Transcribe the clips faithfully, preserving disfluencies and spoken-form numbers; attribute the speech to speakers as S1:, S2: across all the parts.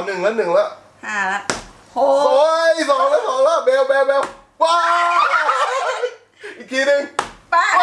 S1: หนึ่งแล้วหนึ่งแล้ว
S2: ห้าแล้วโห
S1: โอ้ยสองแล้วสองแล้วเบลเบลเบลว้าอีกทีหนึ่ง
S2: แปด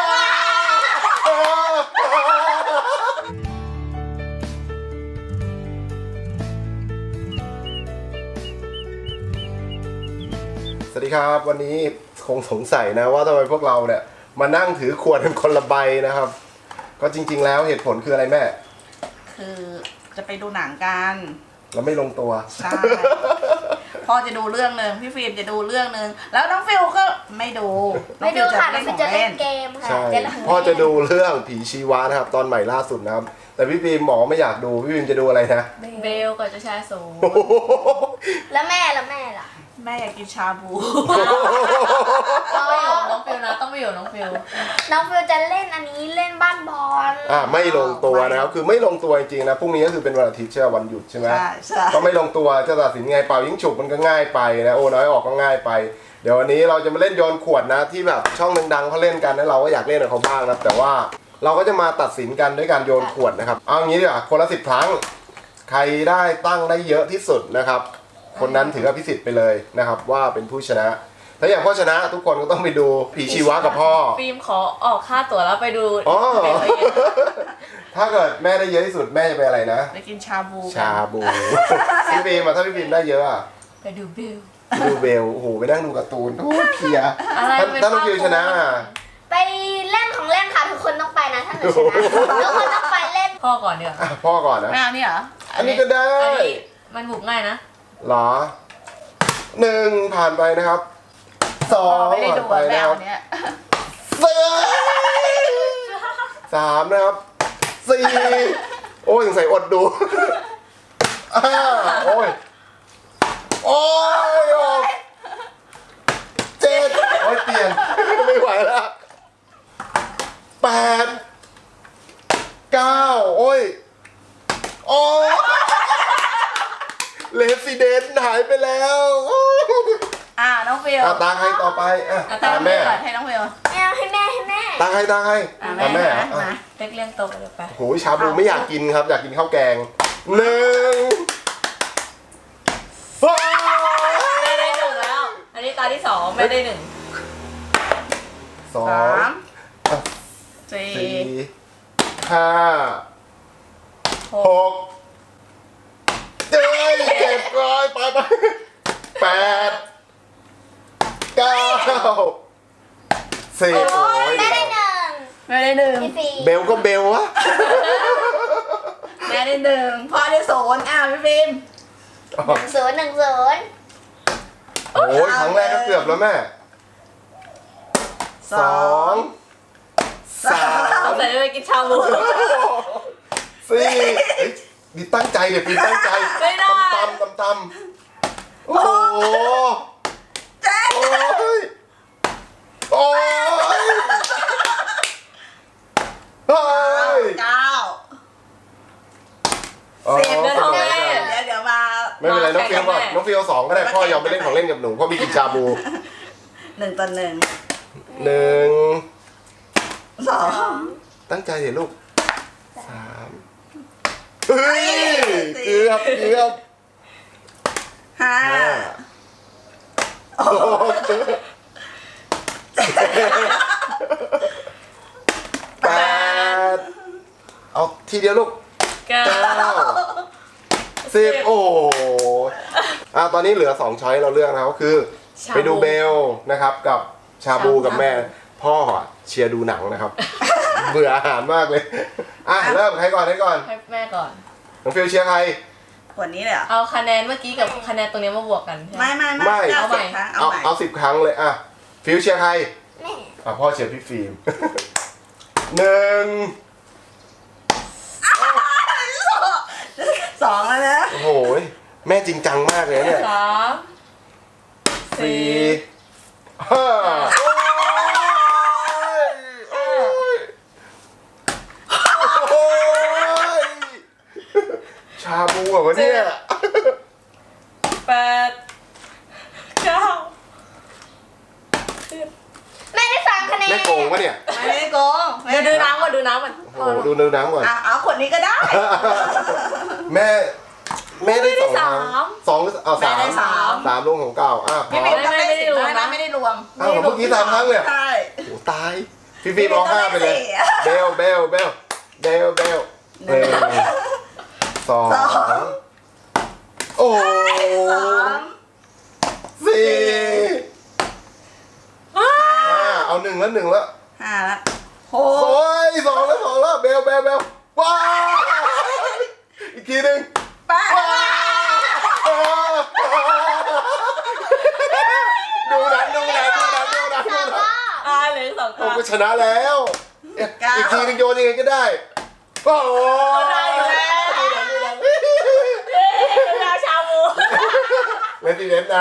S1: สวัสดีครับวันนี้คงสงสัยนะว่าทำไมพวกเราเนี่ยมานั่งถือขวดเป็นคนละใบนะครับก็จริงๆแล้วเหตุผลคืออะไรแม่
S2: คือจะไปดูหนังกัน
S1: เราไม่ลงตัว
S2: ใช่พ่อจะดูเรื่องหนึ่งพี่ฟิล์มจะดูเรื่องหนึ่งแล้วน้องฟิลก็ไม่ดู
S3: ไม่ดูค่ะน้องฟิลจะเล่นเกมค่ะ
S1: พ่อจะดูเรื่องผีชีวะนะครับตอนใหม่ล่าสุดนะครับแต่พี่ฟิล์มบอกไม่อยากดูพี่ฟิล์มจะดูอะไรนะ
S3: เบลกับเจ้าชายโสมแล้วแม่แล้วแม่ล่ะ
S2: แม่อยากกินชาบู
S3: ต้องไปอยู่น้องฟิลนะต้องไปอยู่น้องฟิลน้องฟิลจะเล่นอันนี้เล่นบ้านบอล
S1: อ่าไม่ลงตัวนะครับคือไม่ลงตัวจริงๆนะพรุ่งนี้ก็คือเป็นวันอาทิตย์ใช่ไหมวันหยุดใช่ไหม
S2: ใช่
S1: ก็ไม่ลงตัวจะตัดสินไงเป่ายิงฉุบมันก็ง่ายไปนะโอ้น้อยออกก็ง่ายไปเดี๋ยววันนี้เราจะมาเล่นโยนขวดนะที่แบบช่องดังๆเขาเล่นกันนะเราก็อยากเล่นกับเขาบ้างนะแต่ว่าเราก็จะมาตัดสินกันด้วยการโยนขวดนะครับเอางี้ดีกว่าคนละสิบครั้งใครได้ตั้งได้เยอะที่สุดนะครับคนนั้นถืออภิสิทธิ์ไปเลยนะครับว่าเป็นผู้ชนะถ้าอย่างพ่อชนะทุกคนก็ต้องไปดูผีชีวะกับพ่อ
S3: ฟิล์มขอออกค่าตั๋วแล้วไปดู
S1: อ๋อถ้าเกิดแม่ได้เยอะที่สุดแม่จะไปอะไรนะ
S2: ไปกินชาบู
S1: ชาบูพี่ฟิล์มมาถ้าพี่ฟิล์มได้เยอะอะ
S3: ไปดูเบล
S1: ดูเบลโอ้โหไปนั่งดูการ์ตูนโอ้เพียถ้าน้องฟิล์มชนะ
S3: ไปเล่นของเล่นค่ะทุกคนต้องไปนะถ้าหนูชนะทุกคนต้องไปเล่น
S2: พ่อก่อนเดี๋ยว
S1: พ่อก่อนนะ
S2: ไม่เอานี่เหรอ
S1: อันนี้ก็ได้
S3: มันบุกง่ายนะ
S1: หรอหนึ่งผ่านไปนะครับสองผ่านไปนะครับสามนะครับสี่โอ้ยสงสัยอดดูห้าโอ้ยโอ้ยเจ็ดโอ้ยเปลี่ยนไม่ไหวแล้วแปดเก้าโอ้ยโอ้เลสเดนหายไปแล้ว
S2: อ่าน้องฟิล
S1: ตาใครต่อไปอ่ะ
S2: ตาแม่ให้น้องฟิล
S3: แม่ให้แม่ให้แม่
S1: ตาใครตาใครตาแม่
S3: มาเล็กเลี้ยงโตไปเลยไป
S1: โหชาบูไม่อยากกินครับอยากกินข้าวแกงหนึ่ง
S3: แม่ได้หนึ่งแล้วอันนี้ตาที่สองแม่ได้หนึ่ง
S1: สอง
S2: สี่
S1: ห้าหกเจ็ดเจ็ดร้อยไปไปแปดเก้าสิบโอ้ย
S3: แม่ได้หนึ่ง
S2: แม่ได้หนึ่ง
S1: เบลก็เบลวะ
S2: แม่ได้หนึ่งพ่อได้ศูนย์อ้าวพี่ฟิล์ม
S3: หนึ่งศูนย์หนึ่งศูนย์
S1: โอ้ยครั้งแรกก็เกือบแล้วแม่สองสาม
S3: แต่จะไปกินชาบู
S1: สี่นี่ตั้งใจเลยพี่ตั้งใจ
S3: ไม่ได้
S1: ตำตำตำโอ้โห
S2: เจ๊
S1: โอ้ยโอ้ยเฮ้ย
S2: เก้าสิบเดี๋ยวเดี๋ยวเดี๋ยวมา
S1: ไม่เป็นไรน้องฟิวก่อนน้องฟิวสองก็ได้พ่อยอมไปเล่นของเล่นกับหนูพ่อมีกินชาบู
S2: หนึ่งต่อหนึ่ง
S1: หนึ่ง
S2: สอง
S1: ตั้งใจเดี๋ยวลูกสามเฮ้ยเกือบเกือบ
S2: ห้า
S1: แปดเอาทีเดียวลูก
S3: เก้า
S1: สิบโอ้อ่ะตอนนี้เหลือสองช้อยเราเลือกนะก็คือไปดูเบลนะครับกับชาบูกับแม่พ่อเชียร์ดูหนังนะครับเบื่ออาหารมากเลยอ่ะเริ่มใครก่อนใครก่อน
S3: ให้แม่ก่อน
S1: น้องฟิลเชียร์ใคร
S2: คนนี้เลยเหรอ
S3: เอาคะแนนเมื่อกี้กับคะแนนตรงนี้มาบวกกัน
S2: ไม่ไม่ไม่
S3: เอาใหม่
S1: เอาเอาสิบครั้งเลยอ่ะฟิลเชียร์ใครแม่อ่ะพ่อเชียร์พี่ฟิล์มหนึ่ง
S2: สองแล้วนะ
S1: โอ้โหแม่จริงจังมากเลยเนี่ย
S3: สาม
S1: สี่ห้าชาบูเหรอวะเนี่ย
S3: แปดเก้าแม่ได้สามคะแนน
S1: แม่โกงปะเนี่ย
S2: ไม่ได้โกง
S3: เดี๋ยวดูน้ำก่อนดูน้ำก่อน
S1: โอ้ดูดูน้ำก่อน
S2: เอาขวดนี้ก็ได้
S1: แม่แม่ได้สองคะ
S3: าม
S1: สองหรือเอา
S2: แม่
S1: สาม
S2: ได้สาม
S1: สามลุงของเก่าอ่ะพ
S2: พี่
S1: อ
S2: ฟิล์มต้องได้สิบได้นะไม่ได้รวม
S1: อ้าวเมื่อกี้สามครั้งเลย
S2: ใช่
S1: โอ้ตายพี่ฟิล์มร้องห้าไปเลย เบลเบลเบลเบลเบลหนึ่งสองโอ้
S2: สาม
S1: สี่ห้าเอาหนึ่งแล้วหนึ่งแล้ว
S2: ห้าละห
S1: โอ้
S2: ก
S1: ยสองแล้วสองแล้วเบลเบลเบลว้าวอีกทีหนึ่ง
S2: แปด
S1: ดูหนังดูหนังดูหนังดูหนังดูหนัง
S3: อ่าเหลือสองค
S1: โอ้
S3: รั้ง
S1: ก็ชนะแล้วอีกทีหนึงโยนยังไงก็ได้โอ้โห
S3: ได้อยู่แล้ว
S1: ดูหนังดูหนัง
S3: เวลาชาบู
S1: เลนติเดนนะ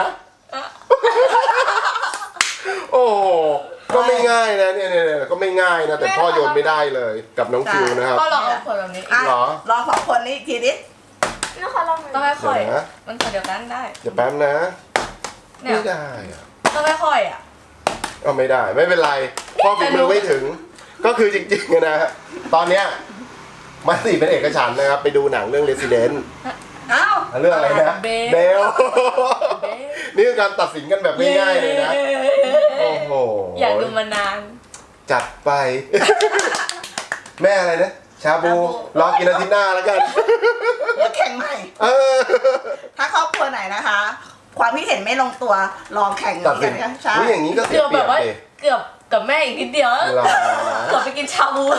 S1: โอ้โหก็ไม่ง่ายนะเนี่ยเนี่ยเนี่ยก็ไม่ง่ายนะแต่พ่อโยนไม่ได้เลยกับน้องฟิวนะครับ
S3: ก็ลองเอาขวดแบบนี้
S2: อ่ะ
S1: เหรอ
S2: ลองสองคนนี้อีกทีดิ
S3: แล้วเขาลองต้องค่อย
S1: เดี๋ยวนะ
S3: ๆมันขวดเดียวกันได้
S1: เดี๋ยวแป๊บนะ
S3: เนี่ย
S1: ไม่ได้อะ
S3: ต้องค่อยๆอ่ะ
S1: ก็ไม่ได้ไม่เป็นไรพ่อฝีมือไม่ถึง ก็คือจริงๆนะฮะตอนเนี้ยมาสิเป็นเอกฉันท์นะครับไปดูหนังเรื่อง Resident
S2: อ้าว
S1: เรื่องอะไรนะ
S3: เบล
S1: เบลนี่คือการตัดสินกันแบบง่ายๆเลยนะโอ้โห
S3: อยากดูมานาน
S1: จัดไป แม่อะไรนะชาบูรอกินอาทิตย์หน้าแล้วกัน
S2: เดี๋ยวแข่งใหม่
S1: เออ
S2: ถ้าครอบครัวไหนนะคะ ความคิดเห็นไม่ลงตัวลองแข่ง
S1: ตัดสิน
S2: กันใช่
S1: อุ๊ยอย่างนี้ก็เสี
S3: เกื
S1: ย
S3: อบ
S1: เป
S3: แบ
S1: รีย
S3: บบ ว่า
S1: เลย
S3: เกือบกับแม่อีกนิดเดียว
S1: เหรอ
S3: เกือบไปกินชาบู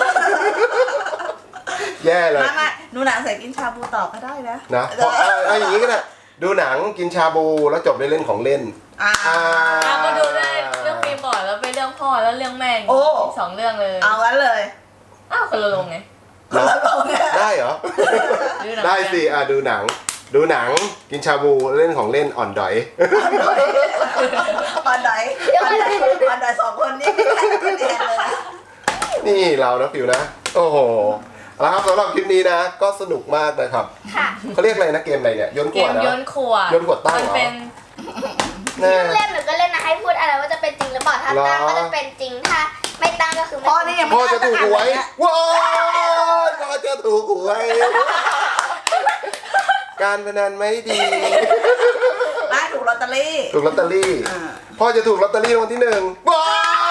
S1: แย่เลย
S2: มามาดูหนังเสร็จกินชาบูต่อก็ได้นะ
S1: นะเพราะเอาเอาอย่างนี้ก็ได้ดูหนังกินชาบูแล้วจบด้วยเล่นของเล่น
S2: อ่า
S1: อ่า
S3: อ่ะมาดูได้เรื่องฟิล์มก่อนแล้วไปเรื่องพ่อแล้วเรื่องแม่อีก
S2: โอ้
S3: สองเรื่องเลย
S2: เอางั้นเลย
S3: อ้าวคนละลงไง
S2: คนละลงเนี่ย
S1: ได้เหรอ
S3: ดูหนัง
S1: ได้สิอ่ะดูหนัง ดูหนังกินชาบูเล่นของเล่นอ่อนดอย
S2: ออนไดออนไดออนไดสองคนนี้ไม่ได้คะแนนเลยนะ
S1: นี่เรานะฟิวนะ โอ้โหแล้วครับสำหรับคลิปนี้นะ ก็สนุกมากนะครับ
S3: ค่ะ
S1: เขาเรียกอะไรนะเกมอะไรเนี่ยโยนข
S3: เก
S1: วด
S3: ม
S1: นะ
S3: โยนขวด
S1: โยนขวดตั้ง
S3: มัน
S1: เหรอ
S3: เป็น
S1: แน่
S4: เล่นหนูก็เล่นนะให้พูดอะไรว่าจะเป็นจริงหรือเปล่าถ้า
S1: เหรอ
S4: ตั้งก็จะเป็นจริงถ้าไม่ตั้งก็คือไม่
S2: พ่อ
S4: จริ
S2: นี่
S4: ง
S2: ยัง
S1: พ่
S2: ไม่
S1: อ
S2: ได้
S1: จะถูกหวยว้าวพ่อจะถูกหวย การพนันไม่ดี
S2: ได้ถูกลอตเตอรี่
S1: ถูกลอตเตอรี่
S2: อ่า
S1: พ่อจะถูกลอตเตอรี่รางวัลที่หนึ่งว้าว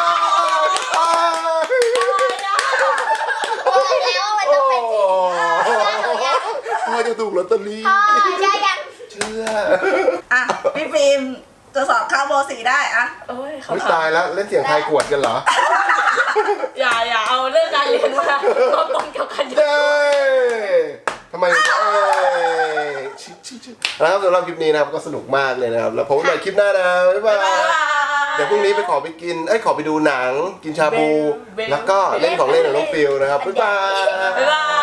S4: บอกแล้วว่ามันต้องเป็นจริง
S1: พ่อจะถูกลอตเตอรี่
S4: พ่อใช่ยัง
S1: เชื่อ
S2: อ่ะพี่ฟิล์มจะสอบเข้าโมสี่ได้อะ
S3: โอ้ยเขา
S1: ไม่
S3: ถา
S1: ตาม ยแล้วเล่นเสียงไทายขวดกันเหรอ
S3: อย่าอย่าเอาเรื่องการเรียนมาเอาตรงเกี่ยวกันเยอะ
S1: เย้ทำไมเอ้ยชิชิชินะครับสำหรับคลิปนี้นะครับก็สนุกมากเลยนะครับ แล้วพบกันใหม่คลิปหน้านะบ๊ายบายเดี๋ยวพรุ่งนี้ไปขอไปกินเอ้ยขอไปดูหนัง กินชาบู แล้วก็เล่นของเล่นของน้องฟิลนะครับบ๊ายบาย
S3: บ๊ายบาย